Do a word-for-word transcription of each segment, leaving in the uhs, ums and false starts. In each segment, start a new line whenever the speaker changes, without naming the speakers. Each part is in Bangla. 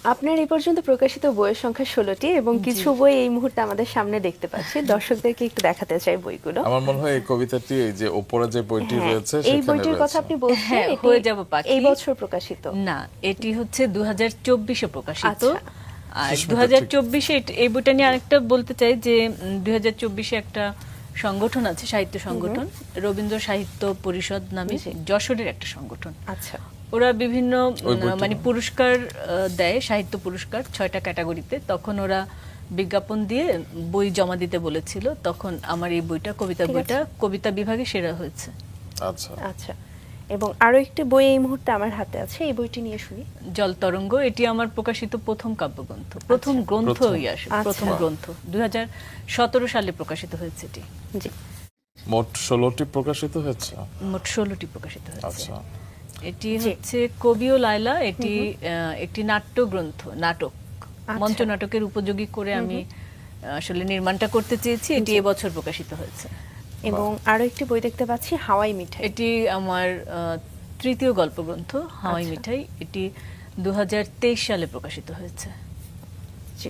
আপনার এই পর্যন্ত প্রকাশিত বইয়ের সংখ্যা ষোলোটি এবং কিছু বই এই মুহূর্তে আমাদের সামনে দেখতে পাচ্ছি, দর্শকদেরকে একটু দেখাতে চাই বইগুলো।
আমার মনে হয় এই কবিতাটি এই যে উপরে যে বইটি
হ্যাঁ,
রয়েছে
এই
সেখানে
বইটির কথা
রয়েছে।
আপনি বলছেন,
হ্যাঁ,
এটি
হয়ে যাব পাখি।
এই বছর প্রকাশিত
না, এটি হচ্ছে দু হাজার চব্বিশে প্রকাশিত।
আচ্ছা।
আর
সুস্মিতা,
দু হাজার চব্বিশে এই বইটা নিয়ে আরেকটা বলতে চাই যে দু হাজার চব্বিশে একটা সংগঠন আছে, সাহিত্য সংগঠন, রবীন্দ্র সাহিত্য পরিষদ নামে, যশোরের একটা সংগঠন।
আচ্ছা,
ওরা বিভিন্ন
ওই বইটা
মানে
না?
পুরস্কার আহ, দেয়, সাহিত্য পুরস্কার ছয়টা ক্যাটাগরিতে। তখন ওরা বিজ্ঞাপন দিয়ে বই জমা দিতে বলেছিল, তখন আমার এই বইটা, কবিতা
ঠিক
বইটা কবিতা বিভাগে সেরা হয়েছে।
আচ্ছা
আচ্ছা। এবং আরো একটি বই এই মুহূর্তে আমার হাতে আছে, এই বইটি নিয়ে শুনি।
জল তরঙ্গ, এটি আমার প্রকাশিত প্রথম কাব্যগ্রন্থ, প্রথম গ্রন্থ
প্রথম।
হয়ে আসে,
আচ্ছা।
প্রথম গ্রন্থ দুই হাজার সতেরো সালে প্রকাশিত হয়েছে এটি।
জি,
মোট ষোলোটি প্রকাশিত হয়েছে।
মোট ষোলোটি প্রকাশিত হয়েছে।
আচ্ছা,
এটি
জি।
হচ্ছে কবি ও লায়লা, এটি আহ, একটি নাট্য গ্রন্থ, নাটক, মঞ্চ নাটকের উপযোগী করে আমি আহ, আসলে নির্মাণটা করতে চেয়েছি। এটি এবছর প্রকাশিত হয়েছে।
এবং আরো একটি বই দেখতে পাচ্ছি, হাওয়াই মিঠাই।
এটি আমার আহ, তৃতীয় গল্পগ্রন্থ, হাওয়াই
আচ্ছা।
মিঠাই। এটি দু হাজার তেইশ সালে প্রকাশিত হয়েছে।
জি।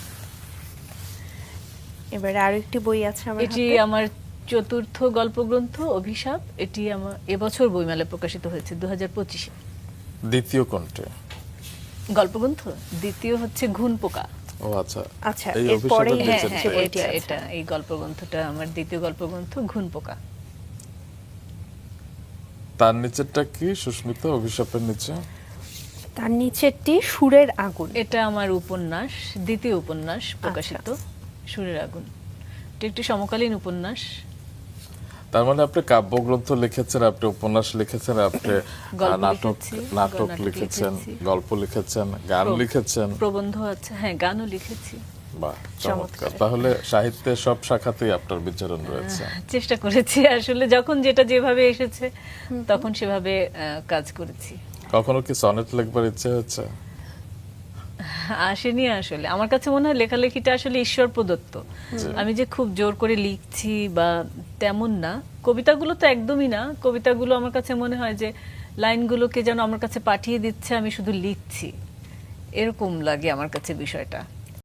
এবারে আরো একটি বই আছে আমার
এটি
হাতে।
আমার চতুর্থ গল্পগ্রন্থ, অভিশাপ। এটি আমার এবছর বইমেলায় প্রকাশিত হয়েছে দু হাজার পঁচিশে।
দ্বিতীয় কোনটি?
গল্পগ্রন্থ দ্বিতীয় হচ্ছে ঘুন পোকা।
ও আচ্ছা
আচ্ছা,
এই
এরপরেই
অভিশাপের
হ্যাঁ,
নিচের
হ্যাঁ,
যে
বইটি
এটা
আছে।
এটা এই গল্পগ্রন্থটা আমার দ্বিতীয় গল্পগ্রন্থ, ঘুন পোকা।
তার নিচেরটা কি সুস্মিতা, অভিশাপের নিচে?
তার নিচেরটি সুরের আগুন।
এটা আমার উপন্যাস, দ্বিতীয় উপন্যাস প্রকাশিত, সুরের আগুন। এটা একটি সমকালীন উপন্যাস।
তার মানে আপনি কাব্যগ্রন্থ লিখেছেন, আপনি উপন্যাস লিখেছেন, আপনি
গল্প
নাটক
লিখেছি,
নাটক
নাটক
লিখেছেন,
লিখেছি।
গল্প লিখেছেন, গান
প্র-
লিখেছেন।
প্রবন্ধ আছে, হ্যাঁ, গানও লিখেছি।
বাহ,
চমৎকার।
চমৎকার। তাহলে সাহিত্যের সব শাখাতেই আপনার বিচরণ রয়েছে।
চেষ্টা করেছি আসলে, যখন যেটা যেভাবে এসেছে তখন সেভাবে আহ, কাজ করেছি।
কখনো কি সনেট লিখবার ইচ্ছে হচ্ছে?
আসেনি আসলে। আমার কাছে মনে হয় লেখালেখিটা আসলে ঈশ্বর প্রদত্ত। আমি যে খুব জোর করে লিখছি বা তেমন না। কবিতাগুলো তো একদমই না। কবিতাগুলো আমার কাছে মনে হয় যে লাইনগুলোকে যেন আমার কাছে পাঠিয়ে দিচ্ছে, আমি শুধু লিখছি, এরকম লাগে আমার কাছে বিষয়টা।